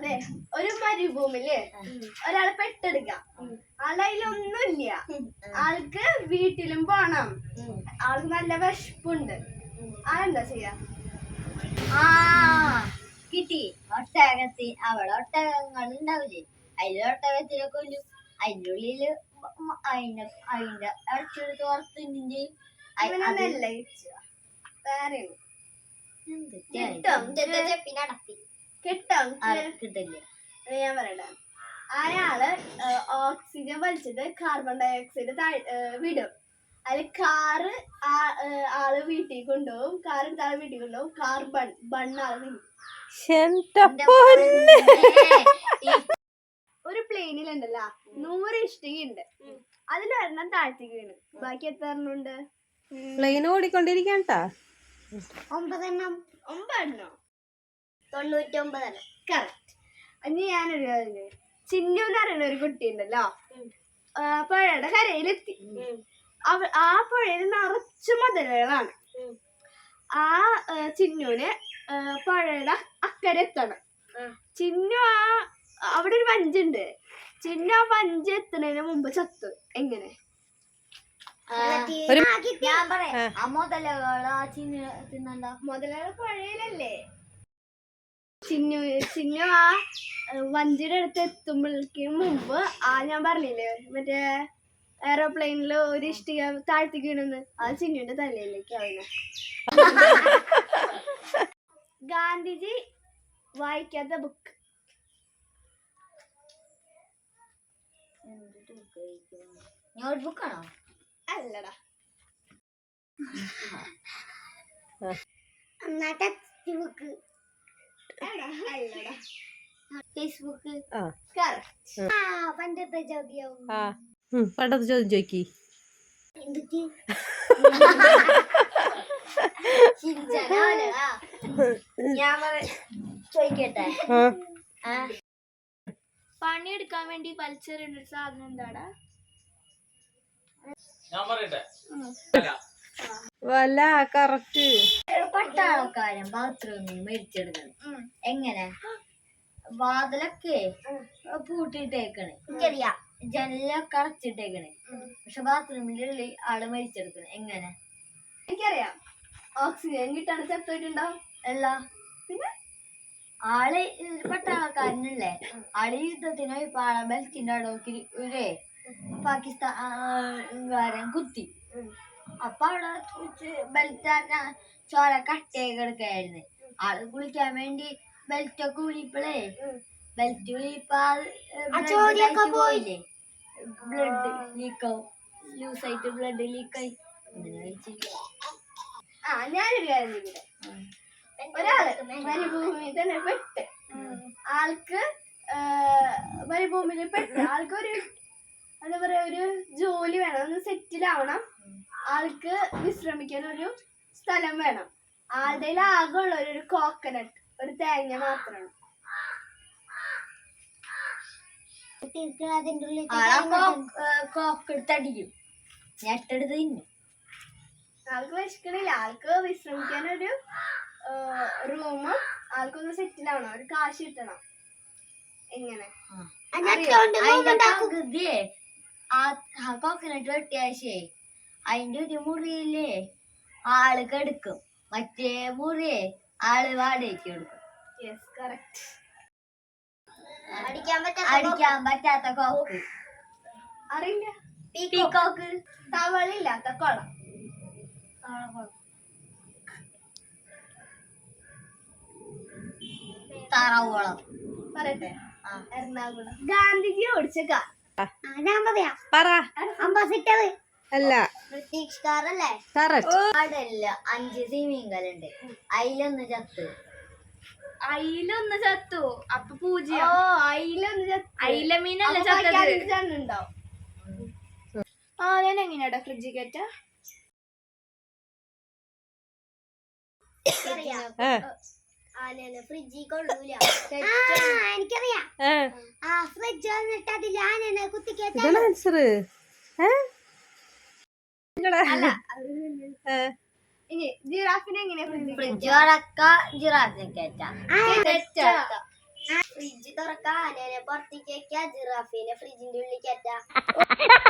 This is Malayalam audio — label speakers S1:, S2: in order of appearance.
S1: അതെ, ഒരു മരുഭൂമിയില് ഒരാള് പെട്ടെടുക്കാം. ആളുടെ കയ്യിലൊന്നുമില്ല. ആൾക്ക് വീട്ടിലും പോണം. ആൾക്ക് നല്ല വിശപ്പുണ്ട്. ആളെന്താ ചെയ്യാ?
S2: കിട്ടി. അവിടെ ഒട്ടകങ്ങൾ ഉണ്ടാവില്ലേ, അതിൽ ഒട്ടകത്തിനെ കൊല്ലും. അതിന്റെ ഉള്ളില് അതിന്റെ ഇറച്ചെടുത്ത് വറുത്തിൻ്റെ
S1: കിട്ടില്ലേ? ഞാൻ പറയട്ടെ, അയാള് ഓക്സിജൻ വലിച്ചിട്ട് കാർബൺ ഡൈ ഓക്സൈഡ് വിടും. അതിൽ കാറ് ആള് വീട്ടിൽ കൊണ്ടുപോകും. കാർ എടുത്ത് ആള് വീട്ടിൽ കൊണ്ടുപോകും. ബണ്ണാള് ഒരു പ്ലെയിനിലുണ്ടല്ലോ 100 ഇഷ്ടികയുണ്ട്. അതിലൊരെണ്ണം താഴ്ത്തിക്ക് വീണ്. ബാക്കി എത്ര എണ്ണം ഉണ്ട്?
S3: പ്ലെയിൻ ഓടിക്കൊണ്ടിരിക്കട്ടോ.
S1: 9 എണ്ണം. 99. കറക്റ്റ്. ഇനി ഞാനൊരു കാര്യം, ചിന്നു എന്ന് പറയുന്ന ഒരു കുട്ടി ഉണ്ടല്ലോ, പുഴയുടെ കരയിലെത്തി. ആ പുഴയിൽ നിറച്ചു മുതലകളാണ്. ആ ചിന്നുവിന് പുഴയുടെ അക്കരെ എത്തണം. ചിന്നു അവിടെ ഒരു വഞ്ചുണ്ട്. ചിന്നു ആ വഞ്ച് എത്തുന്നതിന് മുമ്പ് ചത്തു. എങ്ങനെ?
S2: ഞാൻ പറയാം. ആ മുതലകൾ
S1: പുഴയിലല്ലേ? ചിന്നു ആ വഞ്ചിയുടെ അടുത്ത് എത്തുമ്പോഴേക്കും മുമ്പ് ഞാൻ പറഞ്ഞില്ലേ, മറ്റേ എയറോപ്ലെയിനില് ഒരു ഇഷ്ടിക താഴ്ത്തിക്ക് വീണെന്ന്, ആ ചിന്നുവിന്റെ തലയിലേക്ക് ആവുന്ന. ഗാന്ധിജി വായിക്കാത്ത ബുക്ക്.
S2: നോട്ട്ബുക്കാണോ?
S1: അല്ലടാ.
S2: ഫേസ്ബുക്ക്.
S1: പണ്ടത്തെ ചോദ്യം.
S3: പണ്ടത്തെ ചോദ്യം ചോദിക്കി.
S2: ഞാൻ ചോദിക്കട്ടെ,
S1: പണിയെടുക്കാൻ വേണ്ടി വലിച്ചെറിയുന്ന ഒരു സാധനം എന്താടാ?
S3: വല. കറക്റ്റ്.
S2: പട്ടാളക്കാരൻ ബാത്റൂമിൽ മേടിച്ചെടുക്കണം. എങ്ങനെ? വാതിലൊക്കെ പൂട്ടിയിട്ടേക്കണേ, എനിക്കറിയാം. ജനലൊക്കെ അടച്ചിട്ടേക്കണേ, പക്ഷെ ബാത്റൂമിന്റെ ഉള്ളിൽ ആള് മരിച്ചെടുക്കണേ. എങ്ങനെ?
S1: എനിക്കറിയാം. ഓക്സിജൻ കിട്ടാണ് ചത്തോയിട്ടുണ്ടാവും.
S2: അല്ല, പിന്നെ ആള് പട്ടാളക്കാരനല്ലേ, ആള് യുദ്ധത്തിന് ഇപ്പൊ ആളെ ബെൽറ്റിന്റെ അടവക്ക് ഒരു പാകിസ്ഥാൻകാരൻ കുത്തി. അപ്പൊ അവിടെ ബെൽറ്റ് ചോര കട്ടയൊക്കെ എടുക്കായിരുന്നു. ആള് കുളിക്കാൻ വേണ്ടി ബെൽറ്റൊക്കെ ഊരിപ്പളേ, ബെൽറ്റ് ഊരിപ്പോ പോയില്ലേ, ബ്ലഡ് ലീക്കാവും. ലൂസായിട്ട് ബ്ലഡ് ലീക്കായി.
S1: ഞാനൊരു കാര്യം ചെയ്തില്ല. ഒരാള് മരുഭൂമിയിൽ തന്നെ പെട്ട്, ആൾക്ക് മരുഭൂമിയിൽ പെട്ട് ആൾക്കൊരു എന്താ പറയാ, ഒരു ജോലി വേണം, ഒന്ന് സെറ്റിലാവണം. ആൾക്ക് വിശ്രമിക്കാൻ ഒരു സ്ഥലം വേണം. ആളുടെ ആകെ ഉള്ള ഒരു കോക്കനട്ട്, ഒരു തേങ്ങ മാത്രമാണ്.
S2: കോക്കെടുത്തടിക്കും, ഞെട്ടെടുത്ത് തിന്നും.
S1: ആൾക്ക് വിശക്കണില്ല. ആൾക്ക് വിശ്രമിക്കാനൊരു റൂമും, ആൾക്കൊന്ന് സെറ്റിലാവണം, ഒരു കാശ് കിട്ടണം. എങ്ങനെ?
S2: കോക്കനട്ട് വെട്ടിയാശേ അതിന്റെ ഒരു മുറിയില്ലേ ആള് കെടുക്കും, മറ്റേ മുറിയെ ആള് വാടകയ്ക്ക് കൊടുക്കും. അടിക്കാൻ പറ്റാത്ത കോക്ക്
S1: അറിയില്ല.
S2: പീക്കോക്ക്.
S1: തവളില്ലാത്ത കുളം.
S2: താറാവുകുളം.
S1: പറയട്ടെ? എറണാകുളം. ഗാന്ധിജി ഓടിച്ച കാർ.
S3: അംബാസിഡർ അല്ല,
S2: ബ്രിട്ടീഷ് കാറല്ലേ? കടലില് 5 സ്വിമ്മിംഗ് അതിലൊന്ന് ചത്തു.
S1: അയിലൊന്ന് ചത്തു. അപ്പൊ 0. അയില മീനല്ല ചത്തുണ്ടാവും. ഞാൻ എങ്ങനെയാടാ ഫ്രിഡ്ജിൽ കയറ്റ? ഫ്രിഡ്ജിൽ കൊള്ളൂല. എനിക്കറിയാം. ഫ്രിഡ്ജ് വന്നിട്ട് അതിൽ ആനനെ കുത്തിക്കേറ്റ. ജിറാഫിനെ എങ്ങനെയാ
S2: ഫ്രിഡ്ജ് അടക്ക ജിറാഫിനെ കയറ്റാം. ഫ്രിഡ്ജ് തുറക്ക, ആനേനെ പുറത്തേക്ക് വെക്ക, ജിറാഫിനെ ഫ്രിഡ്ജിന്റെ ഉള്ളിൽ കയറ്റാ.